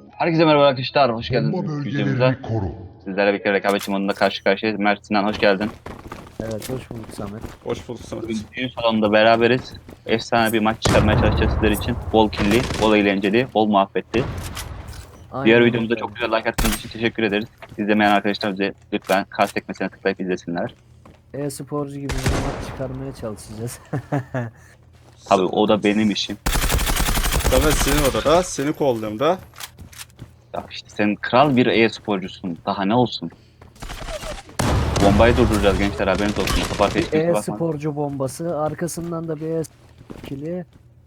Herkese merhaba arkadaşlar, hoş geldiniz Bomba videomuza. bölgelerini koru. Sizlerle birlikte rekabetçi modunda karşı karşıyayız. Mert, Sinan hoş geldin. Evet, hoş bulduk Samet. Hoş bulduk Samet. Bugün düğün salonunda beraberiz. Efsane bir maç çıkarmaya çalışacağız sizler için. Bol killi, bol eğlenceli, bol muhabbetli. Aynen Diğer videomuzda öyle. çok güzel like attığınız için teşekkür ederiz. İzlemeyen arkadaşlar bize lütfen kart sekmesine tıklayıp izlesinler. E-sporcu gibi bir maç çıkarmaya çalışacağız. Tabii o da benim işim. Samet senin odada, seni kolluyorum da. Ya işte sen kral bir e-sporcusun. Daha ne olsun? Bombayı durduracağız gençler, haberiniz olsun. Kaparta hiç kimse bakmaz. E-sporcu bombası, arkasından da bir e-ikili.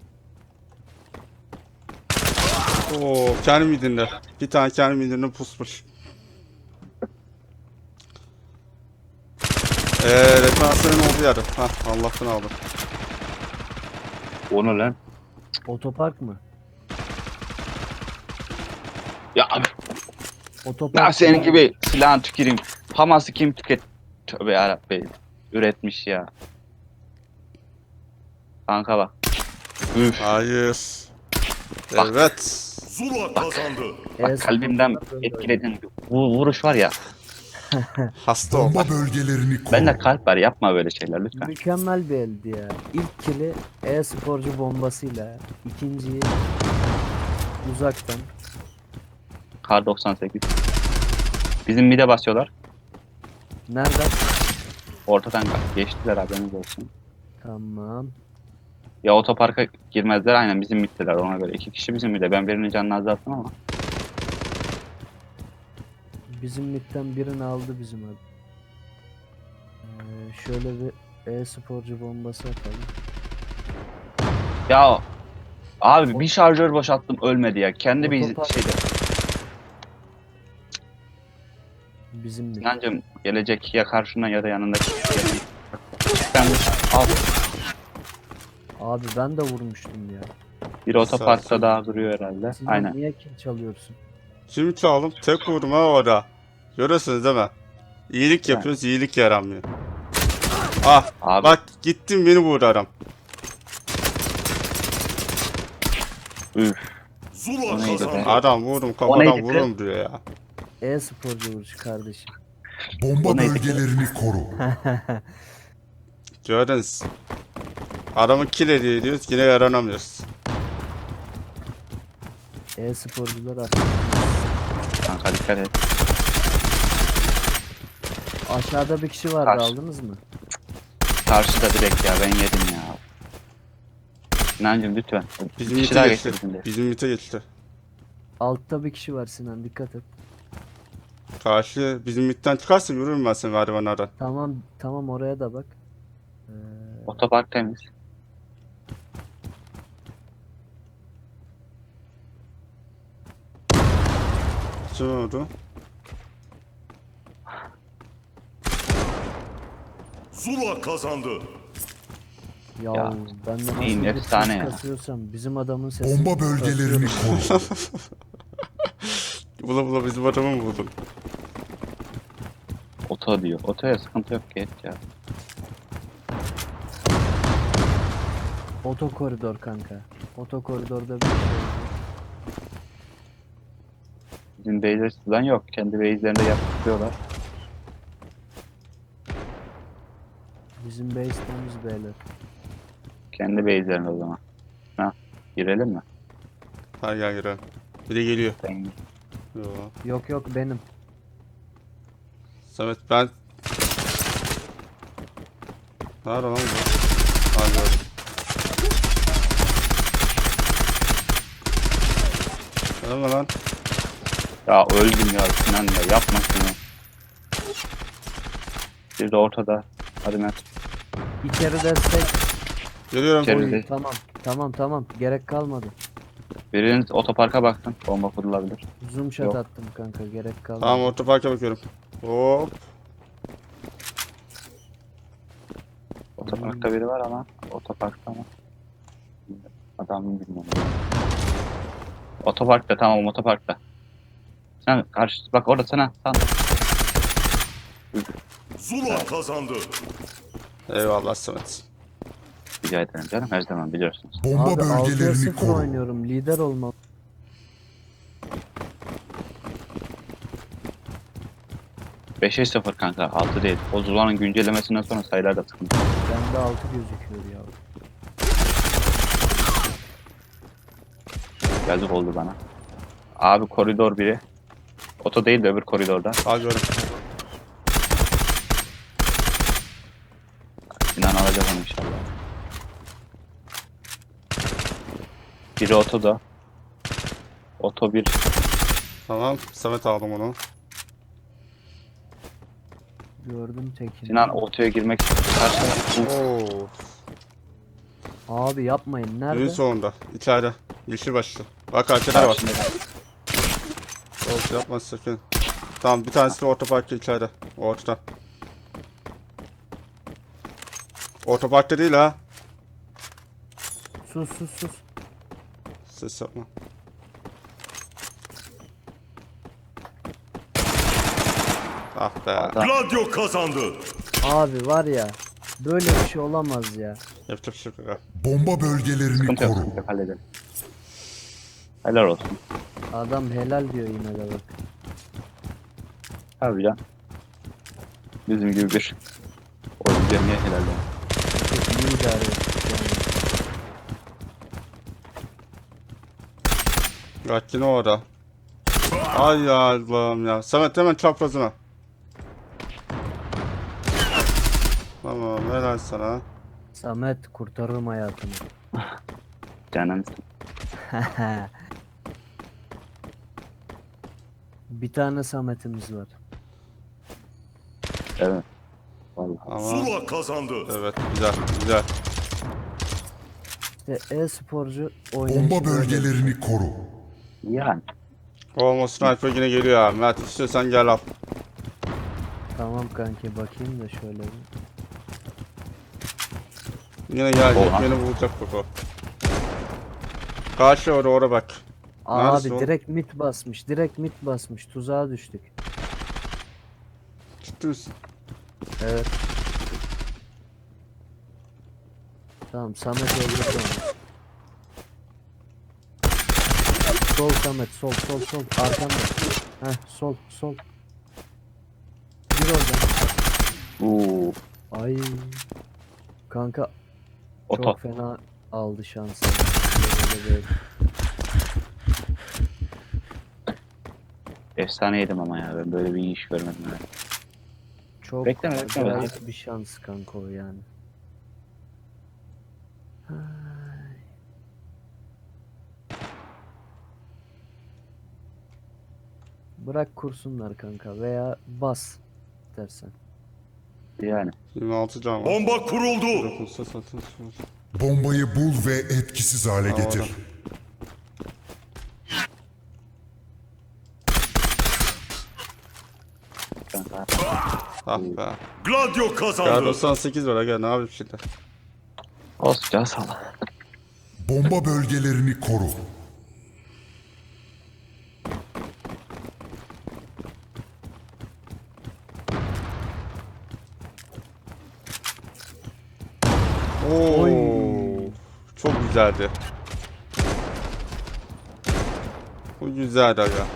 Oo, kendi midinde. Bir tane kendi midinde pusmuş. Referansların olduğu yerde. Hah, Allah'tan aldım. Onu lan. Otopark mı? Ya abi. Otopark. Ben senin gibi silahını tüküreyim. Hamas'ı kim Tövbe yarabbim. Üretmiş ya. Kanka bak. Üf. Hayır. Bak. Evet. Zula kazandı. Bak kalbimden etkilediğin vuruş var ya. Hasta ol. Bomba bölgelerini koru. Bende kalp var, yapma böyle şeyler lütfen. Mükemmel bir eldi ya. İlk kili e-sporcu bombasıyla, ikinciyi uzaktan. Kar 98. Bizim mide basıyorlar. Nereden? Ortadan geçtiler, haberiniz olsun. Tamam. Ya otoparka girmezler, aynen bizim middeler ona göre. 2 kişi bizim mide. Ben birinin canını azalttım ama. Bizim midden birini aldı bizim abi. Şöyle bir e-sporcu bombası atalım. Ya abi bir şarjör boşalttım, ölmedi ya. Kendi bir Otopark. şeyde. Bizim mid. Sinancım gelecek ya karşına ya da yanında. Ben al. Abi ben de vurmuştum ya. Bir otoparkta Sağ ol. daha duruyor herhalde. Sinan Aynen. niye kill çalıyorsun? Şimdi çaldım. Tek vurdum ha orada. Görüyorsunuz değil mi? İyilik yapıyoruz, iyilik yaramıyor. Ah, Abi bak gittim beni vurdu adam. üf. Zula O neydi be? kazandı. Adam vurdum neydi kafadan be? vururum diyor ya. E-sporcu vuruş kardeşim. Bomba O neydi? bölgelerini koru. Gördünüz. Adamı kill ediyoruz, yine yaranamıyoruz. E-sporcular artık. Kanka dikkat et. Aşağıda bir kişi vardı, Karşı. aldınız mı? Karşıda direkt ya, ben yedim ya. Sinancım lütfen. Bizim Bir kişi mite daha geçti. geçti bizim de. Bizim mite geçti. Altta bir kişi var Sinan, dikkat et. Karşı bizim mitten çıkarsa vururum ben seni merdivenlerden. Tamam tamam, oraya da bak. Otopark temiz. Kim oldu? Zula kazandı. Ya, Ya, ben de nasıl neyim, bir efsane ses ya. kasıyorsam bizim adamın sesini Bomba bölgelerini kasıyorum. koru. Bula bula bizim adamı mı buldun? Oto diyor. Otoya sıkıntı yok, geç ya. Oto koridor kanka. Oto koridorda bir şey oldu. Bizim base'ler sizden yok. Kendi base'lerinde yapıyorlar. Bizim base temiz beyler. Kendi base'lerinde o zaman. Ha, girelim mi? Ha gel girelim. Bir de geliyor. Ben Yo. Yok yok, benim. Samet ben... Nerede lan bu? Ha gördüm. Gelme lan. Ya öldüm ya Sinan ya, yapma şunu. Bir de ortada. Hadi Mert. İçeri destek. Geliyorum. İçeri- Oy, Evet. tamam. Gerek kalmadı. Biriniz otoparka baksın. Bomba kurulabilir. Zoom shot Yok. attım kanka, gerek kalmadı. Tamam otoparka bakıyorum. Hop. Otoparkta biri var ama. Otoparkta ama. Adamı bilmiyorum. Otoparkta, tamam, otoparkta. Sen karşı bak orada sana. Zula kazandı. Eyvallah Samet. Rica ederim canım, her zaman biliyorsunuz. Bomba Abi 6'ya bölgelerini 0 koru. oynuyorum. Lider olmam. 5'e 0 kanka. 6 değil. O Zula'nın güncellemesinden sonra sayılar da sıkıntı. Bende 6 gözüküyor ya. Yazık oldu bana. Abi koridor biri. Oto değil de öbür koridorda. Al görün. Sinan alacak onu inşallah. Biri otoda. Oto bir. Tamam. Samet aldım onu. Gördüm tekini. Sinan otoya girmek istersen. Oo. Abi yapmayın. Düğün Nerede? sonunda. İçeride. Yeşil başlı. Bak arkada var. Karşında. Olsun yapma sakın. Tamam bir tanesi de otoparkta içeride. Ortada. Otoparkta değil ha. Sus sus sus. Ses yapma. Ah be. Adam. Gladio kazandı. Abi var ya. Böyle bir şey olamaz ya. Yapacak bir şey yok. Bomba bölgelerini Sıkıntı yok. koru. Sıkıntı yok. Halledelim. Helal olsun. Adam helal diyor yine de bak. Abi can. Bizim gibi bir oyuncuya niye helal olsun? Çok iyi idare ettik yani. Bak yine orada. Ay ya Allah'ım ya. Samet hemen çaprazına. Tamam helal sana. Samet kurtarırım hayatını. Canım. Bir tane Samet'imiz var. Evet. Vallahi. Ama Zula kazandı. evet güzel güzel. İşte e-sporcu oynayışı Bomba böyle. bölgelerini koru. Yani. Olma sniper yine geliyor abi. Mert istiyorsan gel al. Tamam kanki bakayım da şöyle bir. Yine gelecek Oha. beni vuracak bak o. Karşı oraya bak. Neresi Abi o? direkt mit basmış. Direkt mit basmış. Tuzağa düştük. Ciddi misin? Evet. Tamam Samet öldürdü onu. Sol Samet sol sol sol arkanda. Heh sol sol. Gir oradan. Uuu. Ay. Kanka Oto. çok fena aldı şansı. Böyle. Efsane yedim ama ya. Ben böyle bir iş görmedim. Yani. Çok Bekleme, bekleme. acayip bir şans kanka o yani. Ay. Bırak kursunlar kanka veya bas dersen. Yani. 26 can var. Bomba kuruldu. Dokunsa satın. Bombayı bul ve etkisiz hale Tamam, getir. orada. Kanka. Ah be. Gladio Ya kazandı. 98 var aga ne yapayım şimdi. Olsun can sağ Bomba bölgelerini koru. Oo. Oy. Çok güzeldi. Bu güzeldi aga.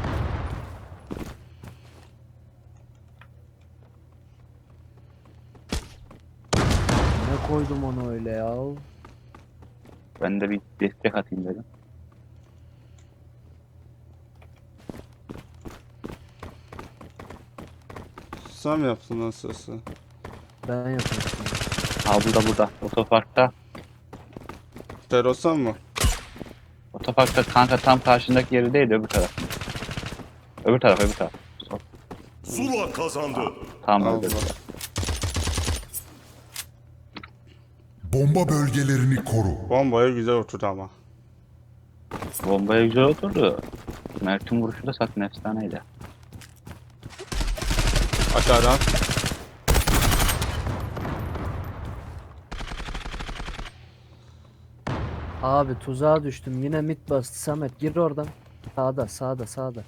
Ne koydum onu öyle ya? Ben de bir destek atayım dedim. Sen mi yaptın nasılsa? Ben yapıyorum. Ha burada. Otoparkta. Terosan mı? Otoparkta kanka tam karşındaki yeri değil de öbür taraf. Öbür taraf. Sol. Zula kazandı. Tam Allah. öbür. Bomba bölgelerini koru. Bombaya güzel oturdu ama. Bombaya güzel oturdu. Mert'in vuruşu da zaten efsaneydi. Aşağıdan. Abi tuzağa düştüm. Yine mit bastı. Samet gir oradan. Sağda.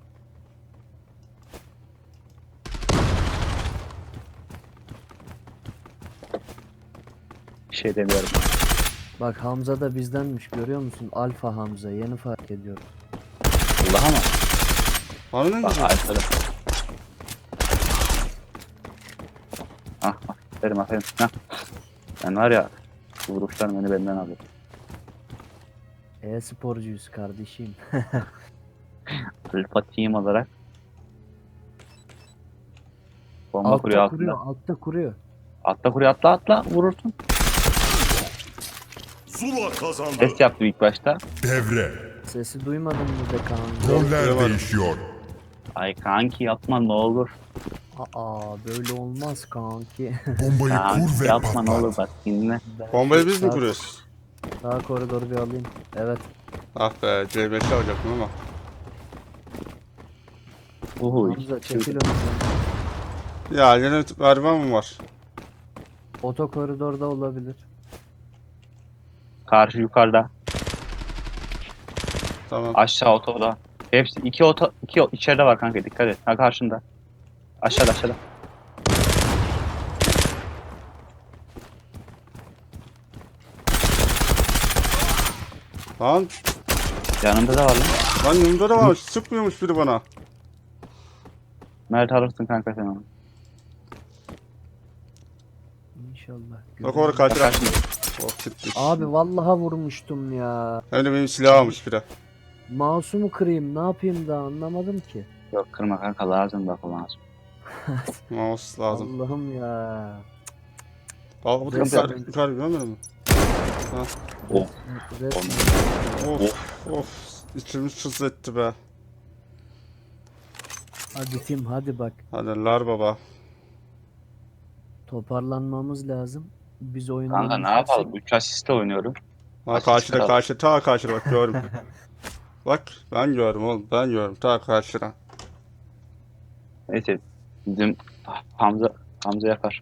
Bir şey demiyorum. Bak Hamza da bizdenmiş görüyor musun? Alfa Hamza yeni fark ediyorum. Allah ama. Bana ne Bak güzel. arkada. Ah, aferin. Hah. Ben var ya, bu vuruşlar beni benden alıyor. E-sporcuyuz kardeşim. Alfa team olarak. Bomba kuruyor Altta altında. kuruyor, altta kuruyor. Atla kuruyor, atla vurursun. Zula kazandı. Ses yaptı ilk başta. Devre. Sesi duymadın mı be kanka? Roller duyamadım. değişiyor. Ay kanki yapma ne olur. Aa böyle olmaz kanki. Bombayı kur Kanki ve yapma ne olur patlat. bak dinle. Ben Bombayı şu biz mi sağ- kuruyoruz? Sağ koridoru bir alayım. Evet. Ah be C5'i alacaktım ama. Uhu. Hamza çekil önümden. Ya yine gariban mı var? Oto koridorda olabilir. Karşı yukarıda. Tamam. Aşağı otoda. Hepsi iki içeride var kanka dikkat et. Ha karşında. Aşağıda. Lan Yanında da var lan. lan yanımda da varmış. Sıkmıyormuş biri bana. Mert alırsın kanka sen onu. İnşallah. Bak orada Bak katil. karşında. Oh gitmiş. Abi vallaha vurmuştum ya. Hem de benim silah almış biri. Mouse'umu kırayım ne yapayım da anlamadım ki. Yok kırma kanka lazım da lazım. Mouse lazım. Allah'ım ya. Bak bu Neyse. yukarı görmedin mi? Ha. Of. Resmen. Of. İçimiz çız etti be. Hadi Tim hadi bak. Hadi lar baba. Toparlanmamız lazım. Biz oyunu Kanka ne yapalım? 3 asiste oynuyorum. Ha Asist karşıda kral. ta karşıda bak gördüm. Bak ben gördüm oğlum ben gördüm ta karşıda. Neyse bizim Hamza yapar.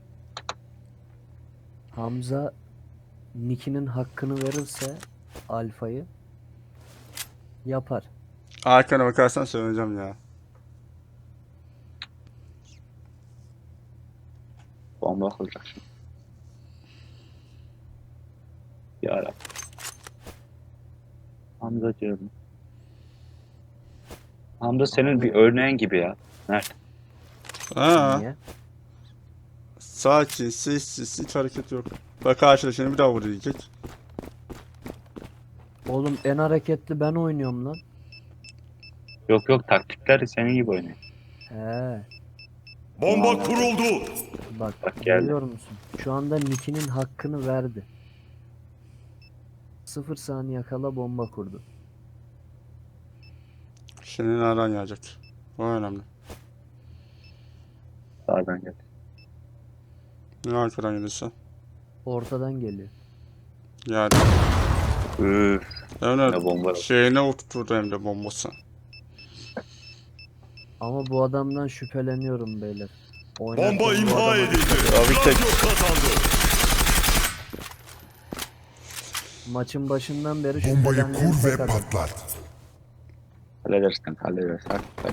Hamza Nick'inin hakkını verirse Alfa'yı yapar. Arkana bakarsan söyleyeceğim ya. Bomba kuracak şimdi. Yarabbim. Hamza diyorum. Hamza senin bir örneğin gibi ya. Mert. Ha. Niye? Sakin, sessiz, hiç hareket yok. Bak karşıda şimdi bir daha vur diyecek. Oğlum en hareketli ben oynuyorum lan. Yok taktikler senin gibi oynuyor. He. Bomba kuruldu. Bak Bak geldi. görüyor musun? Şu anda Nick'inin hakkını verdi. 0 saniye kala bomba kurdu. Şimdi nereden gelecek? O önemli. Sağdan gel. Ne arkadan gelirse. Ortadan geliyor. Yani. Üf. Evet. Ne bomba. Şeyine oturturdu hem de bombası. Ama bu adamdan şüpheleniyorum beyler. Bomba Oynarken bu imha adama- edildi. Abi tek- Radyo kazandı. Maçın başından beri Bombayı şüphelendiğim kur tek ve adam. patlat. Hallederiz kanka hallederiz. Hadi.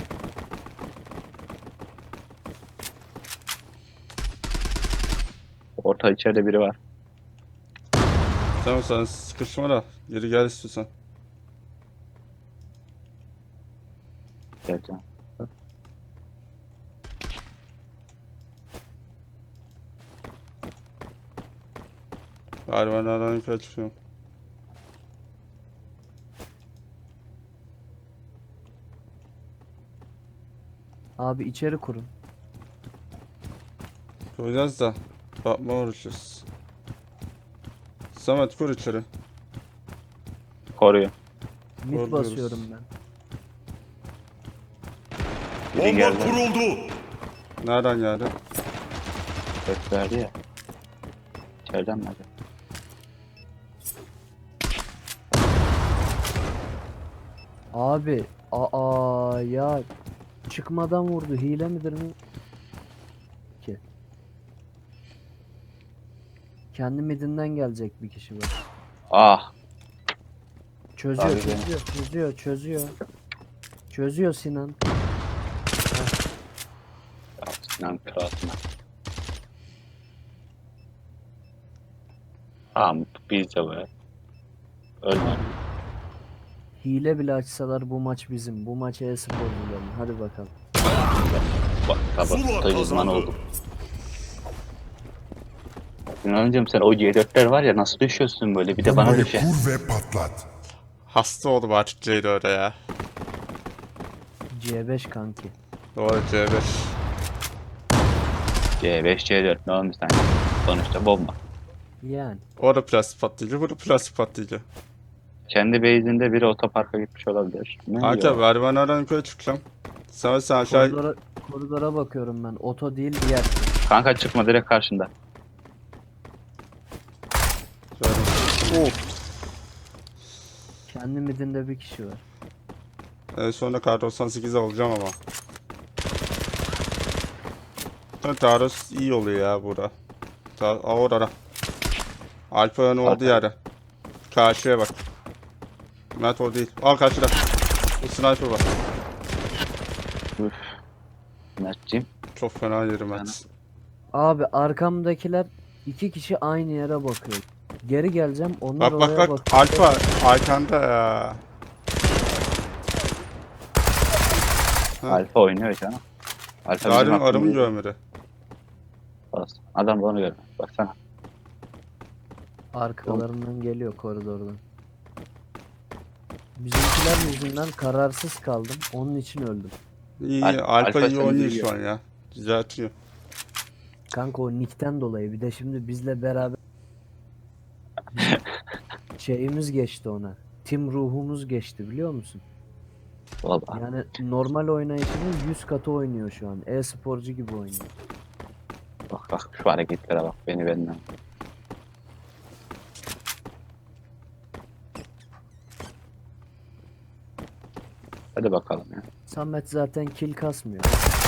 Orta içeride biri var. Tamam sen sıkışma da geri gel istiyorsan. Geleceğim. Galiba nereden yukarı çıkıyorum. Abi içeri kurun. Koyacağız da. Bakma uğraşıyoruz. Samet kur içeri. Koruyor. Mid Doğru basıyorum ben. Biri Bomba geldi. kuruldu. Nereden geldi? Ses verdi ya. İçeriden mi acaba? Abi ya çıkmadan vurdu. Hile midir mi? Ki. Kendi midinden gelecek bir kişi var. Ah. Çözüyor, Abi çözüyor. Çözüyor Sinan. Ya Sinan kralına. Tamam biz de böyle. Ölme. Hile bile açsalar bu maç bizim. Bu maç e-sporcuların. Hadi bakalım. Bak Zula kabak uzman kazandı. oldum. Yunan'cığım sen o C4'ler var ya nasıl düşüyorsun böyle bir de bana Bombayı düşe. kur ve patlat. Hasta oldum artık C4'e ya. C5 kanki. Doğru C5. C5 C4 ne olmuş sanki. Sonuçta bomba. Yani. O da plastik patlayıcı, bu da plastik patlayıcı. Kendi base'inde biri otoparka gitmiş olabilir. Ne Kanka diyor? merdivenlerden yukarı çıkacağım. Sen aşağı... Koridora bakıyorum ben. Oto değil diğer. Kanka çıkma direkt karşında. Of. Kendi midinde bir kişi var. Sonra kar 98 alacağım ama. Taros iyi oluyor ya burada. Orada. Alpa'nın olduğu yerde. Karşıya bak. Mert o değil. Al karşıda. Bu sniper var. Üf. Mert'ciğim. Çok fena yerim Mert. Abi arkamdakiler 2 kişi aynı yere bakıyor. Geri geleceğim onlar Bak bak oraya bak. bakıyor. Alfa arkanda ya. Alfa oynuyor canım. Alfa bizim Yarın arımı hakkımızda. görmedi. Olsun. Adam da onu görmüyor. Baksana. Arkalarından geliyor koridordan. Bizimkiler yüzünden kararsız kaldım. Onun için öldüm. İyi. Alfa Alfa iyi seni oynuyor biliyor. şu an ya. Düzeltiyor. Kanka o nickten dolayı bir de şimdi bizle beraber şeyimiz geçti ona. Tim ruhumuz geçti biliyor musun? Valla. Yani normal oynayışının 100 katı oynuyor şu an. E-sporcu gibi oynuyor. Bak bak şu hareketlere bak beni benden. Hadi bakalım ya. Samet zaten kill kasmıyor.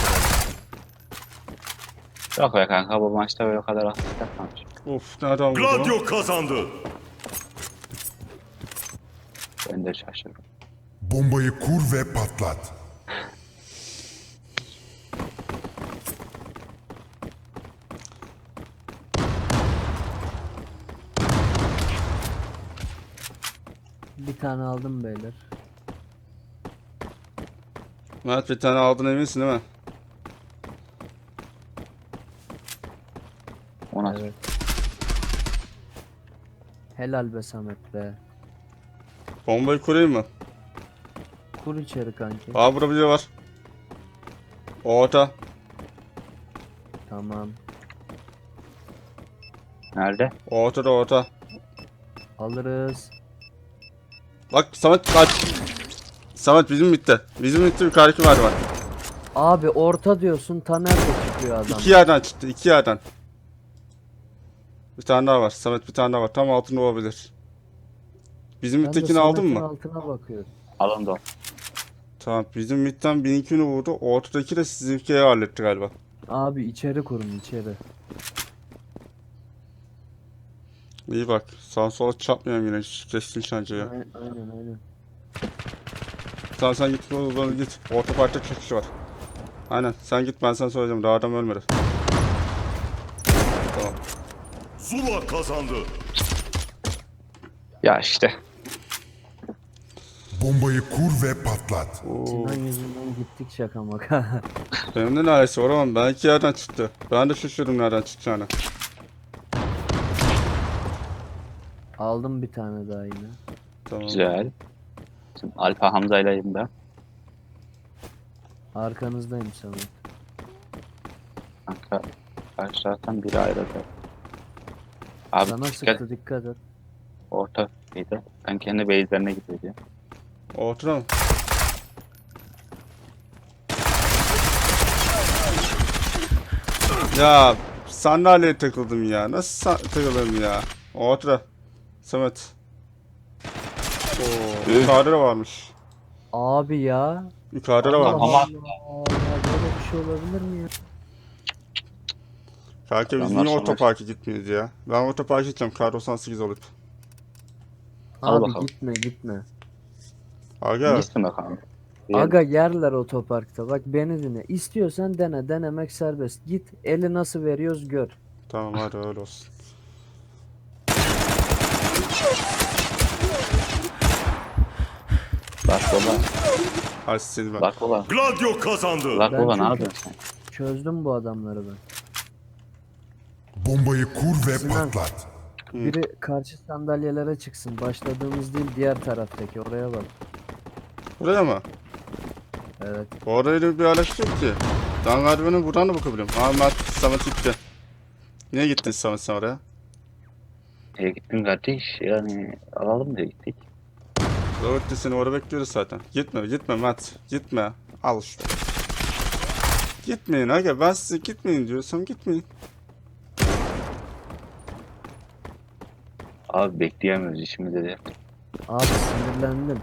Yok be kanka bu maçta böyle kadar asist yapmamış. Of nereden vurdu? Gladio kazandı. Ben de şaşırdım. Bombayı kur ve patlat. Bir tane aldım beyler. Mert bir tane aldın eminsin değil mi? O nasıl? Evet. Helal be Samet be. Bombayı kurayım mı? Kur içeri kanki. Aa burada biri var. Orta. Tamam. Nerede? Ortada orta. Alırız. Bak Samet kaç. Samet bizim bitti. Bizim bitti yukarıdaki merdiven. Abi orta diyorsun Taner de çıkıyor adam. İki yerden çıktı, iki yerden. Bir tane daha var. Samet bir tane daha var. Tam altında olabilir. Bizim Ben de mittekini aldın Samet'in mı? altına bakıyorum. Alın da o. Tamam. Bizim mitten 1002'ni vurdu. Ortadaki de sizinkiyi halletti galiba. Abi içeri kurun içeri. İyi bak. Sağa sola çarpmayalım yine. Keskin şancayı. Aynen. Tamam sen git. Bana git. Orta parkta çok kişi var. Aynen. Sen git ben sana söyleyeceğim. Daha adam ölmedi. Tamam. Zula kazandı. Ya işte. Bombayı kur ve patlat. Sinan yüzünden gittik şaka maka. Benim de neredeyse var ama ben iki yerden çıktı. Ben de şaşırdım nereden çıkacağını. Aldım bir tane daha yine. Tamam. Güzel. Şimdi Alfa Hamza'ylayım ben. Arkanızdayım Samet. Kanka karşı taraftan biri ayrıldı. Abi Sana dikkat sıktı dikkat et. orta mıydı? Ben kendi base'lerine gidiyor. Ortada mı? Ya sandalyeye takıldım ya. Nasıl takıldım ya? Ortada. Samet. Oo, yukarıda da varmış. Abi ya. Yukarıda da varmış. Ama- Allah Allah böyle bir şey olabilir mi ya? Kanka biz Adamlar niye savaş- otoparka gitmiyoruz ya? Ben otoparka gideceğim. Kar 98 olup. Al Abi bakalım. gitme. Aga. Gitsin bakalım. Aga yerler otoparkta. Bak beni dinle. İstiyorsan dene. Denemek serbest. Git eli nasıl veriyoruz gör. Tamam hadi öyle olsun. Bak baba. Hadi siz ben. Bak baba. Gladio kazandı. Bak Ben baba ne çünkü- yapıyorsun sen? Çözdüm bu adamları ben. Bombayı kur ve Sinan. patlat. Biri karşı sandalyelere çıksın. Başladığımız değil diğer taraftaki oraya bak. Buraya mı? Evet. Orayla bir araç yok ki. Ben galiba buradan da bakabilirim. Mert Samet gitti. Niye gittin Samet sen oraya? Gittim kardeş. Yani alalım diye gittik. Robert de seni orada bekliyoruz zaten. Gitme Mert. Gitme. Al işte. Gitmeyin aga, ben size gitmeyin diyorsam gitmeyin. Abi bekleyemiyoruz işimizi de. Abi sinirlendim.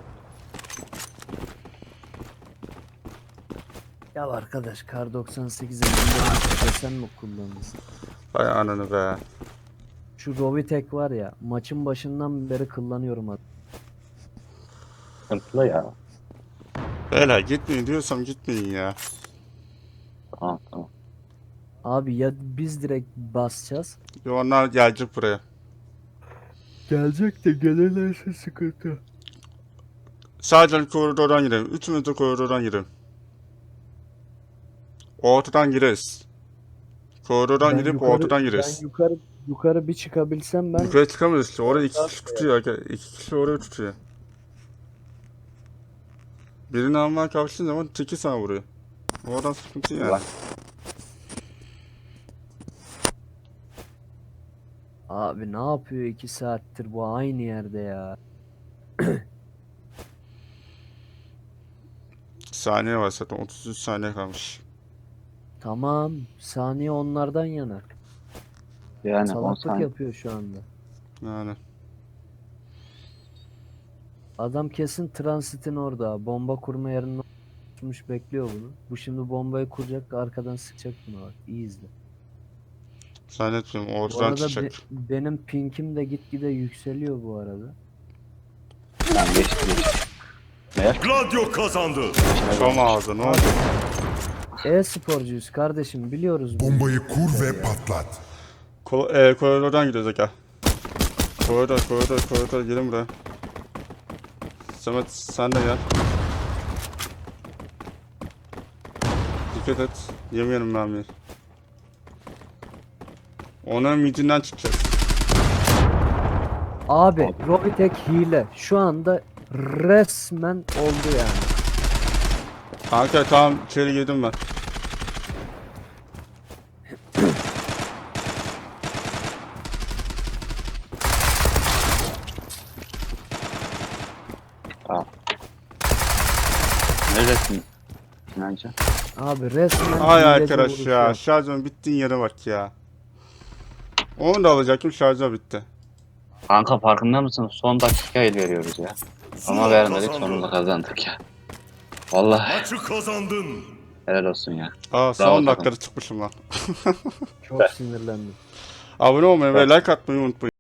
Ya arkadaş kar 98'e sen mi kullanırsın? Vay ananı be. Şu Rovitek var ya maçın başından beri kullanıyorum abi. Sıkıntılı ya. Beyler gitmeyin diyorsam gitmeyin ya. Tamam tamam. Abi ya biz direkt basacağız. Ya onlar gelecek buraya. Gelecek de gelirlerse sıkıntı. Sadece koridordan girelim. Üçümüz de koridordan girelim. Ortadan gireriz. Koridordan girip ortadan gireriz. Ben yukarı bir çıkabilsem ben Yukarı çıkamıyoruz işte. Orada iki kişi tutuyor. İki kişi oraya tutuyor. Birini almaya kalktığın zaman teki sana vuruyor. Oradan sıkıntı yani. Bak. abi ne yapıyor 2 saattir bu aynı yerde ya. Saniye var zaten. 33 saniye kalmış. Tamam saniye onlardan yana. Yani 10 Salaklık saniye. yapıyor şu anda. Yani. Adam kesin transitin orada. Bomba kurma yerine oturmuş bekliyor bunu. Bu şimdi bombayı kuracak arkadan sıkacak buna bak. İyi izle. Zannetmiyorum. Bu Oradan arada çıkacak. benim pinkim de gitgide yükseliyor bu arada. Tamam geçti. Meğer Gladio kazandı. Şom ağzı ne oldu? E-sporcuyuz kardeşim biliyoruz bunu. Bombayı kur ve patlat. Koridordan gidiyoruz aga. Koridor gelin buraya. Samet sen de gel. Dikkat et. Yemeyelim mermiyi. Onun midinden çıkacak. Abi Robitek hile. Şu anda resmen oldu yani. Kanka tamam içeri girdim ben. neredesin? Sinancı? Abi resmen Ay hileci arkadaş vuruş ya, yok. şarjım bittiğin yere bak ya. Onu da alacaktım, şarjı bitti. Kanka farkında mısın? Son dakika el veriyoruz ya. Ama Zula vermedik kazandı. sonunda kazandık ya. Vallahi Maçı kazandın. helal olsun ya. Aa son takım. dakikada çıkmışım lan. Çok sinirlendim. Abone olmayı ve like atmayı unutmayın.